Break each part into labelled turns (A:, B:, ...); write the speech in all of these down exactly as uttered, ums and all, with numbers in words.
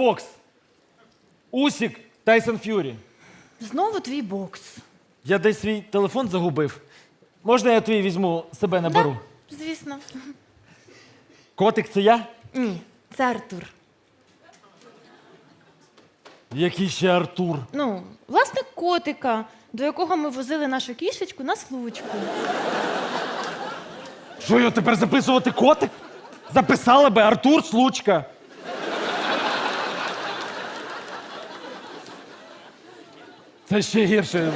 A: бокс. Усік, Тайсон Ф'юрі.
B: Знову твій бокс.
A: Я десь свій телефон загубив. Можна я твій візьму, себе наберу?
B: Да, звісно.
A: Котик, це я?
B: Ні, це Артур.
A: Який ще Артур?
B: Ну, власник котика, до якого ми возили нашу кішечку на случку.
A: Що, його тепер записувати котик? Записала би Артур Случка. Це ще гірше.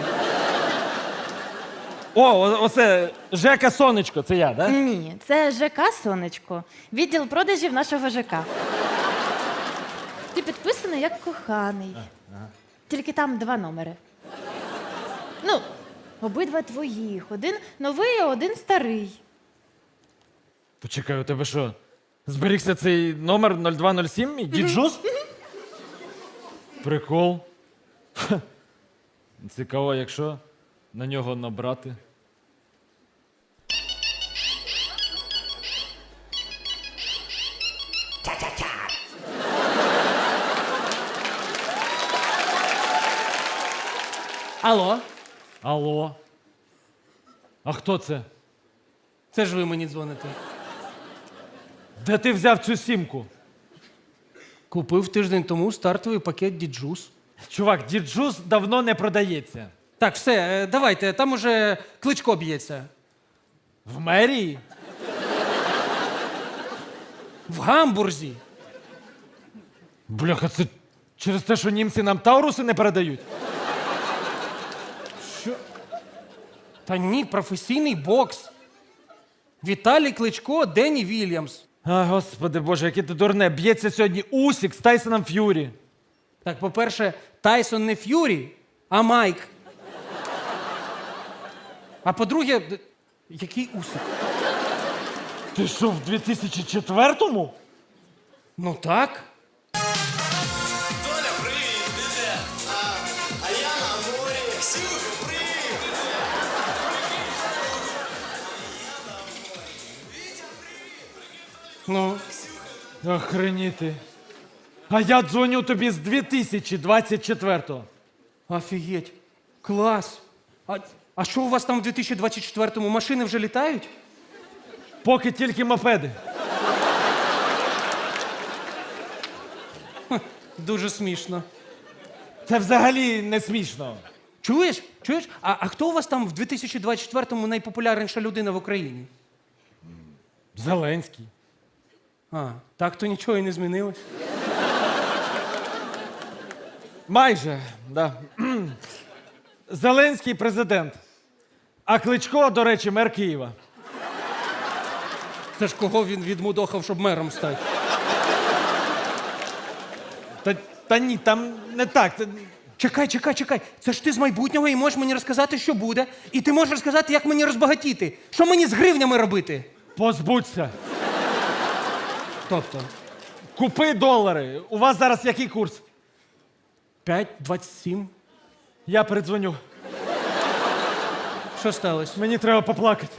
A: О, о- оце Жека Сонечко, це я, да?
B: Ні, це ЖК «Сонечко», відділ продажів нашого ЖК. Ти підписаний як коханий. Тільки там два номери. Ну, обидва твоїх. Один новий, а один старий.
A: Почекай, у тебе що? Зберігся цей номер нуль два нуль сім і діджус? Прикол. Ха. Цікаво, якщо на нього набрати.
C: Алло,
A: Алло. А хто це?
C: це ж ви мені дзвоните.
A: Де ти взяв цю сімку?
C: Купив тиждень тому стартовий пакет діджус.
A: Чувак, діджус давно не продається.
C: Так, все, е, давайте, там уже Кличко б'ється.
A: В мерії?
C: В Гамбурзі.
A: Бляха, це через те, що німці нам тауруси не передають?
C: Та ні, професійний бокс. Віталій Кличко, Денні Вільямс.
A: А, господи боже, яке ти дурне. Б'ється сьогодні Усік з Тайсоном Ф'юрі.
C: Так, по-перше, Тайсон не Ф'юрі, а Майк. А по-друге, д- який Усик?
A: Ти що, в дві тисячі четвертому?
C: Ну так.
D: Толя, привіт, ти де? А, а я на морі. Ксюха, привіт, ти де?
C: Ну,
A: Охреніти. А я дзвоню тобі з дві тисячі двадцять четвертого.
C: офігеть. Клас. А, а що у вас там в дві тисячі двадцять четвертому? Машини вже літають?
A: Поки тільки мопеди.
C: Дуже смішно.
A: Це взагалі не смішно.
C: Чуєш? Чуєш? А, а хто у вас там в дві тисячі двадцять четвертому найпопулярніша людина в Україні?
A: Зеленський.
C: А, так то нічого і не змінилось.
A: Майже, да. Зеленський президент. А Кличко, до речі, мер Києва.
C: Це ж кого він відмудохав, щоб мером стати?
A: Та, та ні, там не так. Це...
C: Чекай, чекай, чекай. Це ж ти з майбутнього і можеш мені розказати, що буде. І ти можеш розказати, як мені розбагатіти. Що мені з гривнями робити?
A: Позбудься.
C: Тобто,
A: Купи долари. У вас зараз який курс?
C: п'ять двадцять сім.
A: Я передзвоню.
C: Що сталося?
A: Мені треба поплакати.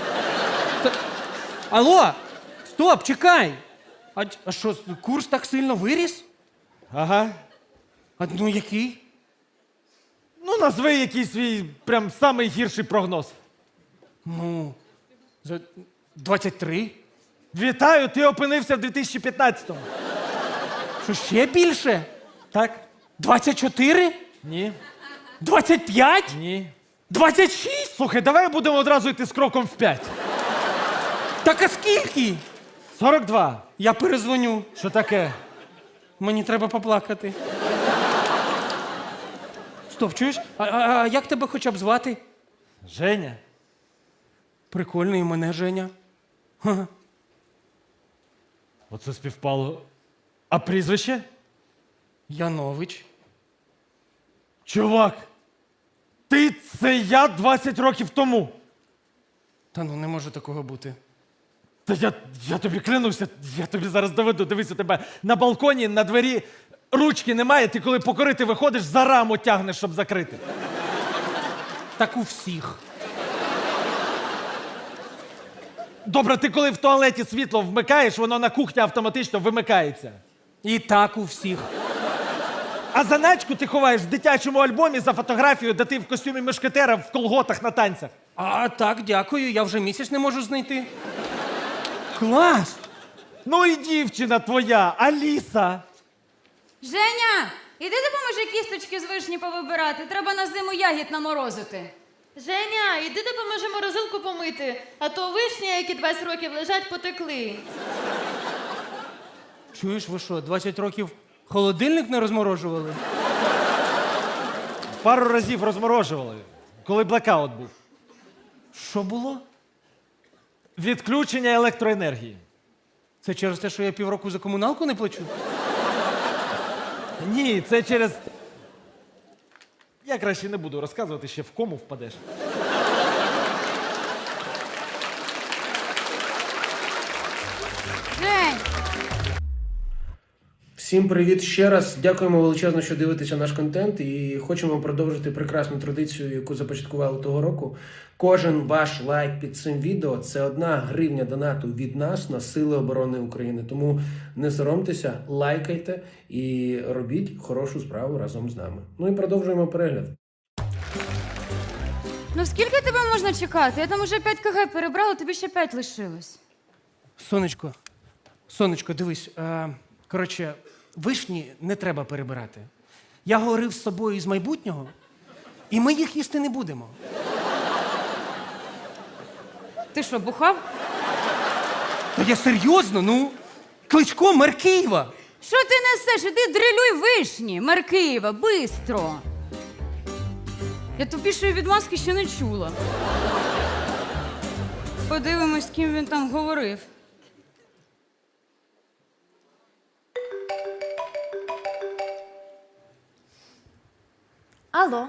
C: Алло! Стоп, чекай! А, а що, курс так сильно виріс?
A: Ага.
C: А ну який?
A: Ну, назви якийсь свій прям самий гірший прогноз.
C: Ну, за двадцять три.
A: Вітаю, ти опинився в дві тисячі п'ятнадцятому.
C: Що ще більше?
A: Так?
C: двадцять чотири?
A: Ні.
C: двадцять п'ять?
A: Ні.
C: двадцять шість?
A: Слухай, давай будемо одразу йти з кроком в п'ять.
C: Так а скільки?
A: сорок два.
C: Я перезвоню.
A: Що таке?
C: Мені треба поплакати. Стоп, чуєш? А, а, а як тебе хоча б звати?
A: Женя.
C: Прикольно, і мене Женя. Ха.
A: Оце співпало. А прізвище?
C: Янович.
A: Чувак, ти це я двадцять років тому.
C: Та ну не може такого бути.
A: Та я, я тобі клянуся, я тобі зараз доведу. Дивись, у тебе на балконі, на двері ручки немає, ти коли покорити виходиш, за раму тягнеш, щоб закрити.
C: Так у всіх.
A: Добре, ти коли в туалеті світло вмикаєш, воно на кухні автоматично вимикається.
C: І так у всіх.
A: А заначку ти ховаєш в дитячому альбомі за фотографією, де ти в костюмі мушкетера в колготах на танцях.
C: А так, дякую, я вже місяць не можу знайти. Клас!
A: Ну і дівчина твоя, Аліса.
E: Женя, іди допоможи кісточки з вишні повибирати. Треба на зиму ягід наморозити.
B: Женя, іди допоможи морозилку помити, а то вишні, які двадцять років лежать, потекли.
C: Чуєш, ви що, двадцять років холодильник не розморожували?
A: Пару разів розморожували, коли блекаут був.
C: Що було?
A: Відключення електроенергії.
C: Це через те, що я півроку за комуналку не плачу?
A: Ні, це через. Я краще не буду розказувати, ще в кому впадеш.
E: Жень,
F: Всім привіт ще раз. Дякуємо величезно, що дивитеся наш контент, і хочемо продовжити прекрасну традицію, яку започаткували того року. Кожен ваш лайк під цим відео – це одна гривня донату від нас на Сили оборони України. Тому не соромтеся, лайкайте і робіть хорошу справу разом з нами. Ну і продовжуємо перегляд.
E: ну скільки тебе можна чекати? Я там уже п'ять кг перебрала, тобі ще п'ять лишилось.
C: Сонечко, сонечко, дивись. Е, коротше, вишні не треба перебирати. Я говорив з собою із майбутнього, і ми їх їсти не будемо.
E: Ти що, бухав?
C: Та я серйозно, ну, Кличко, мер Києва.
E: Що ти несеш? Іди дрилюй вишні, мер Києва, бистро. Я тупішої відмазки ще не чула. Подивимось, з ким він там говорив.
B: Алло.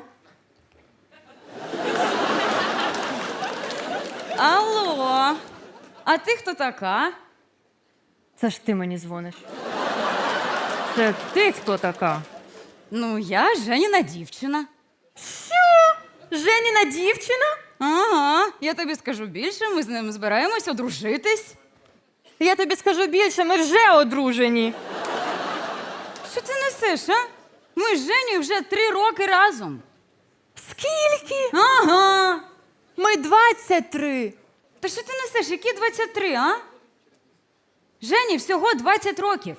E: Алло, а ти хто така?
G: Це ж ти мені дзвониш. Це ти хто така?
E: Ну, я Женіна дівчина.
G: Женіна дівчина?
E: Ага, я тобі скажу більше, ми з ним збираємось одружитись.
G: Я тобі скажу більше, ми вже одружені.
E: Що ти несеш, а? Ми з Женєю вже три роки разом.
G: Скільки?
E: Ага.
G: Ми двадцять три.
E: Та що ти несеш? Які двадцять три, а? Жені всього двадцять років.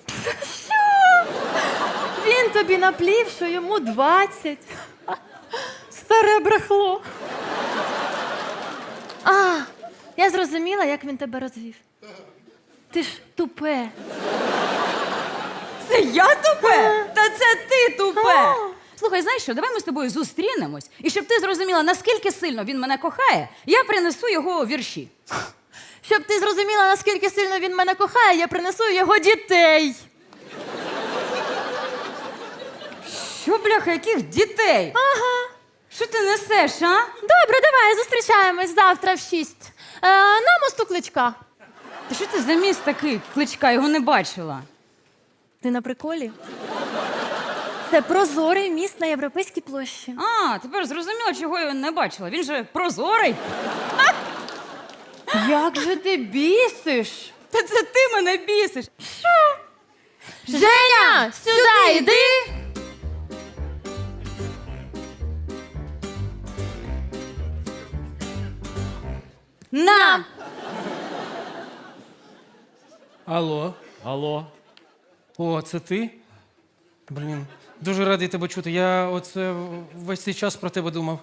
G: Він тобі наплів, що йому двадцять. Старе брехло.
B: А, я зрозуміла, як він тебе розвів. Ти ж тупе.
E: Це я тупе? Та це ти тупе. Слухай, знаєш що, давай ми з тобою зустрінемось, і щоб ти зрозуміла, наскільки сильно він мене кохає, я принесу його вірші.
B: Щоб ти зрозуміла, наскільки сильно він мене кохає, я принесу його дітей.
E: Що, бляха, яких дітей?
B: Ага.
E: Що ти несеш, а?
B: Добре, давай, зустрічаємось завтра в шість. Е, на мосту Кличка.
E: Та що це за міст такий? Кличка, його не бачила.
B: Ти на приколі? Це прозорий міст на Європейській площі.
E: А, тепер зрозуміла, чого я не бачила. Він же прозорий.
B: Як же ти бісиш?
E: Та це ти мене бісиш.
B: Женя, сюди йди!
E: На!
C: Алло.
A: Алло.
C: О, це ти? Блін, дуже радий тебе чути. Я оце весь цей час про тебе думав.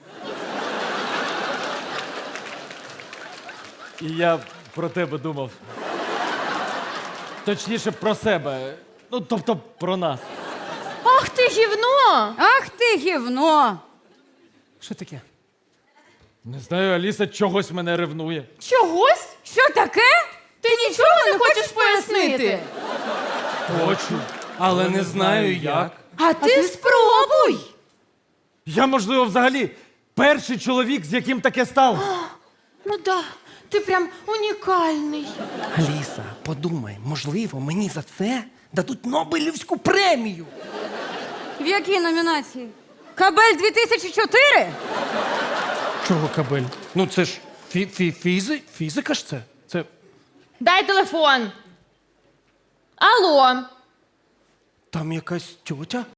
A: І я про тебе думав. Точніше, про себе. Ну, тобто про нас.
B: Ах ти гівно!
E: Ах ти гівно!
C: Що таке?
A: Не знаю, Аліса чогось мене ревнує.
B: Чогось?
E: Що таке?
B: Ти нічого не хочеш пояснити?
A: Хочу.
C: Але не знаю як.
E: А ти спробуй!
A: Я, можливо, взагалі перший чоловік, з яким таке сталося.
B: Ну да, ти прям унікальний.
C: Аліса, подумай, можливо, мені за це дадуть Нобелівську премію.
E: В якій номінації? Кабель дві тисячі чотири?
C: Чого кабель? Ну це ж фі фі фізи фізика ж це. Це
B: Дай телефон. Алло.
C: там якась тьотя.